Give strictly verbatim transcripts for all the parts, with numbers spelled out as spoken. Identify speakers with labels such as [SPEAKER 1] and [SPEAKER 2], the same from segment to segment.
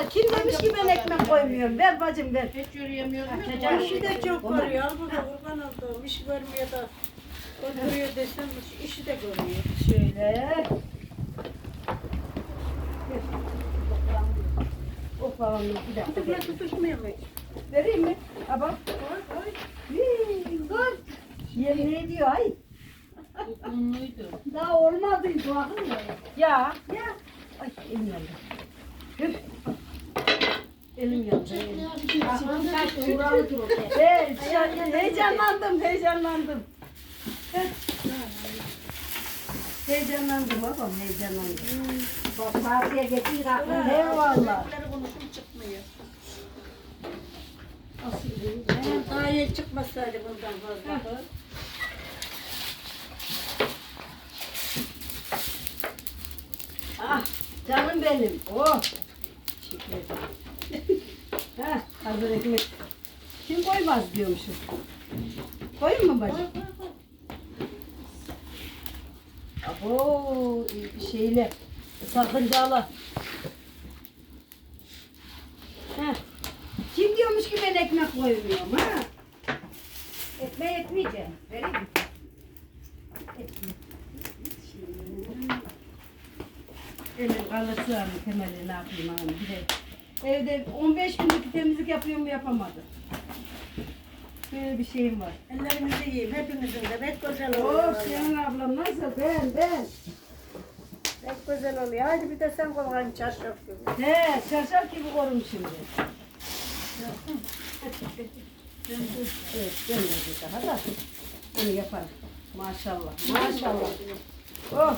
[SPEAKER 1] Allah kim demiş ki ben ekmek koymuyorum. Ver bacım ver.
[SPEAKER 2] Hiç yürüyemiyorum.
[SPEAKER 3] İşi de çok görüyor. Al burada kurban olduğum. İş görmüyor da. Oturuyor desem işi de görüyor.
[SPEAKER 1] Şöyle. Oklavamız bir dakika.
[SPEAKER 3] Kutukla tutuşmuyor mu?
[SPEAKER 1] Vereyim mi? Ha bak. Hii, Dur. Yemin ediyor ay.
[SPEAKER 2] Unluydu.
[SPEAKER 1] Daha olmadıydı bakın ya. Ya. Ya. Ay elim yandı. Üf. Elim yandı. Evet, heyecanlandım, heyecanlandım. Heyecanlandım babam, heyecanlandım. Bak partiye getir aklım. Eyvallah.
[SPEAKER 3] Konuşum çıkmıyor. Daha yeni çıkmasaydı bundan fazla.
[SPEAKER 1] Ah, canım benim. Oh. Teşekkür ederim. Heh, hazır ekmek. Kim koymaz diyormuşum. Koyayım mı bacım? Abo, şeyle, sakıncalı. Heh. Kim diyormuş ki ben ekmek koymuyorum ha? Ekmeği etmeyeceğim. Vereyim mi? Ekmek. Elim kalırsa mı temeli ne yapayım hanım bir de. Evde on beş günlük temizlik yapıyorum yapamadım. Böyle bir şeyim var.
[SPEAKER 3] Ellerimizi yiyeyim. Hepimizin de pek güzel
[SPEAKER 1] Oh
[SPEAKER 3] oluyor.
[SPEAKER 1] senin ablam nasıl? Ben ben.
[SPEAKER 3] Pek güzel oluyor. Haydi bir de sen koyalım çarşaf gibi.
[SPEAKER 1] He şarşaf gibi korum şimdi. Evet ben de daha da onu yaparım. Maşallah maşallah. Oh.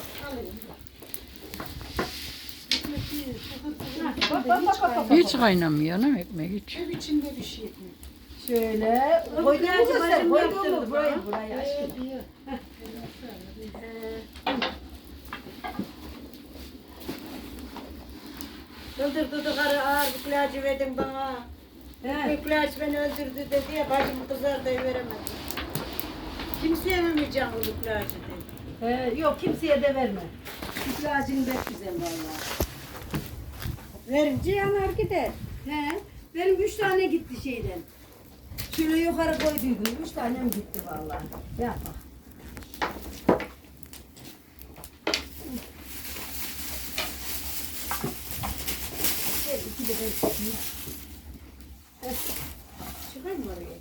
[SPEAKER 1] Bak, bak, bak, bak, bak, bak.
[SPEAKER 4] Hiç kaynamıyor ne ekmek hiç.
[SPEAKER 3] Ev içinde bir şey.
[SPEAKER 1] Şöyle koyduğumu göster. Koyduğumu burayı burayı aşkım.
[SPEAKER 3] Öldür dudu karı ağır bir ilacı verdin bana.
[SPEAKER 1] He.
[SPEAKER 3] Bu ilaç beni öldürdü dedi ya bacım kızar da veremedi. Kimseye vermeyeceğim bu ilacı dedi.
[SPEAKER 1] He, yok kimseye de verme. İlacın pek güzel vallahi.
[SPEAKER 3] Verince yanar gider.
[SPEAKER 1] He, benim üç tane gitti şeyden. Şöyle yukarı koyduydum. Üç tanem gitti vallahi. Yap bak. Gel iki de ben çıkayım.
[SPEAKER 3] Çıkar mı oraya?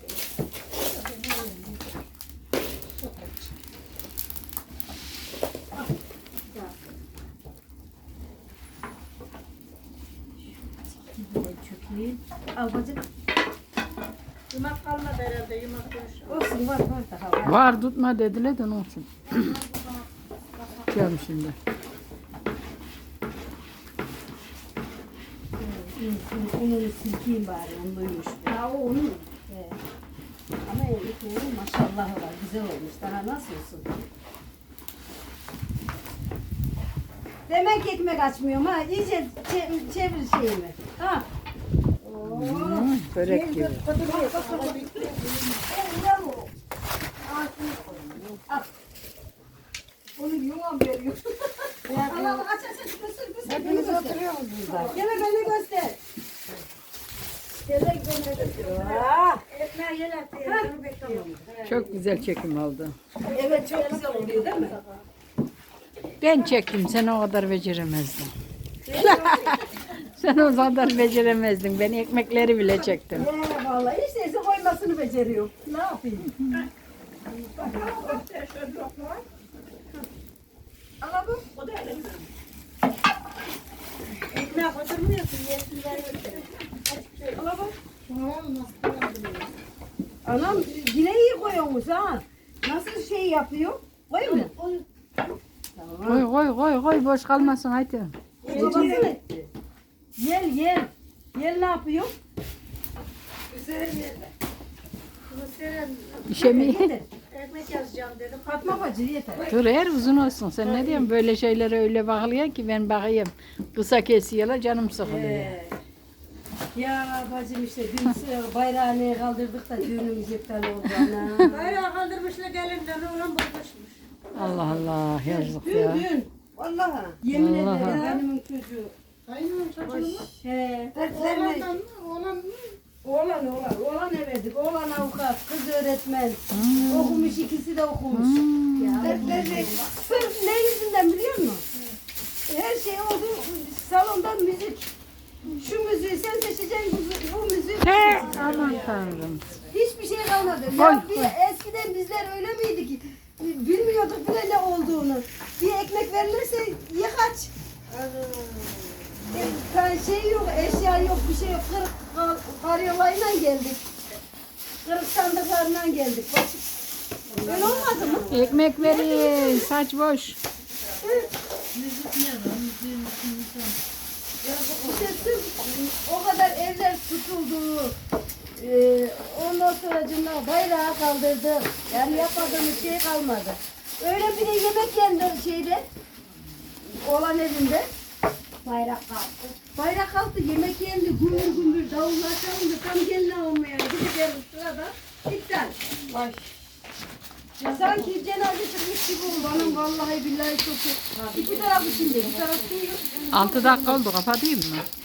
[SPEAKER 1] Çökeyim. Al bacım.
[SPEAKER 3] Yumak kalmadı herhalde yumak dönüş.
[SPEAKER 1] Olsun var var daha var.
[SPEAKER 4] Var tutma dediler de ne olsun. Gelmiş şimdi.
[SPEAKER 1] Onu silkeyim bari. Onluymuş. Ha o onun. Evet. Ama ekmeğin maşallah var. Güzel olmuş. Daha nasıl olsun? Demek ki ekmek açmıyorum ha. İyice çe- çevir şeyimi. Ha.
[SPEAKER 4] Hmm, börek gibi.
[SPEAKER 1] Onu yuvam veriyor. Allah'ım aç aç aç göster göster. Hepiniz oturuyor musunuz burada? Gene beni göster. Gene beni göster. Ah.
[SPEAKER 3] Ekmeği yelattı. Bekliyorum.
[SPEAKER 4] Çok güzel çekim oldu.
[SPEAKER 1] Evet çok güzel oluyor değil mi?
[SPEAKER 4] Ben çektim sen o kadar beceremezdin. Sen o kadar beceremezdin. Ben ekmekleri bile çektim.
[SPEAKER 1] Ya vallahi hiç değilse koymasını beceriyorum. Ne yapayım? Ama bu o da öyle.
[SPEAKER 3] Ekmeği oturmuyorsun. Yesin veriyorsun.
[SPEAKER 1] Ama bak. Anam yine iyi koyuyormuş ha. Nasıl şey yapıyor? Koy mu? Tamam.
[SPEAKER 4] Koy koy koy koy boş kalmasın haydi.
[SPEAKER 1] Babası etti. Yel yel. Yel ne yapıyor?
[SPEAKER 4] İşe mi?
[SPEAKER 1] Yeter.
[SPEAKER 3] Ekmek yazacağım dedim.
[SPEAKER 1] Fatma bacı yeter.
[SPEAKER 4] Dur her uzun olsun. Sen ne diyorsun böyle şeylere öyle bakılıyor ki ben bakayım. Kısa kesiyorlar canım sıkılıyor.
[SPEAKER 1] Ee, ya bacım işte dün bayrağını kaldırdık da düğünümüz iptal oldu ana.
[SPEAKER 3] Bayrağı kaldırmışlar gelinden oğlan bozmuşmuş.
[SPEAKER 4] Allah Allah yazık
[SPEAKER 1] Dün
[SPEAKER 4] ya.
[SPEAKER 1] dün. Vallahi. Yemin
[SPEAKER 4] Vallahi.
[SPEAKER 1] ederim benim çocuğu.
[SPEAKER 3] Kaynağım saçını mı?
[SPEAKER 1] He.
[SPEAKER 3] Oğlandan
[SPEAKER 1] Dertlerini
[SPEAKER 3] mı? Oğlan mı?
[SPEAKER 1] oğlan oğlan oğlan everdik. Oğlan avukat, kız öğretmen. Okumuş, ikisi de okumuş. Dertleri sırf ne yüzünden biliyor musun? Her şey oldu. Salonda müzik. Şu müziği sen seçeceksin, bu, bu müziği ben
[SPEAKER 4] He,
[SPEAKER 1] seçeceğim.
[SPEAKER 4] aman tanrım.
[SPEAKER 1] Hiçbir şey kalmadı.
[SPEAKER 4] Oy,
[SPEAKER 1] Ya bir, eskiden bizler öyle miydi ki? Bilmiyorduk bile ne olduğunu. Bir ekmek verilirse ye kaç. E, ka- şey yok, eşya yok, bir şey yok. Kırık kar- karyolayla geldik. Kırık sandıklarla geldik. Bak, öyle olmadı mı?
[SPEAKER 4] Ekmek verin, saç boş.
[SPEAKER 2] Müzik ne lan? Müziğin içinde.
[SPEAKER 1] Ya bu- işte sırf o kadar evler tutuldu. Ee, ondan sonra cümle bayrağı kaldırdı. Yani yapmadığımız şey kalmadı. Öyle bir de yemek yendi şeyde. Olan evinde. Bayrak kalktı. Bayrak kalktı, yemek yendi, gümbür gümbür davullar çalındı. Tam gelin almaya gideceğiz sırada. İptal. Ay. Ya sanki cenaze çıkmış gibi oldu. Anam vallahi billahi çok iyi. İki taraf içinde, bir taraf duyuyor.
[SPEAKER 4] Altı dakika oldu, kapatayım mı?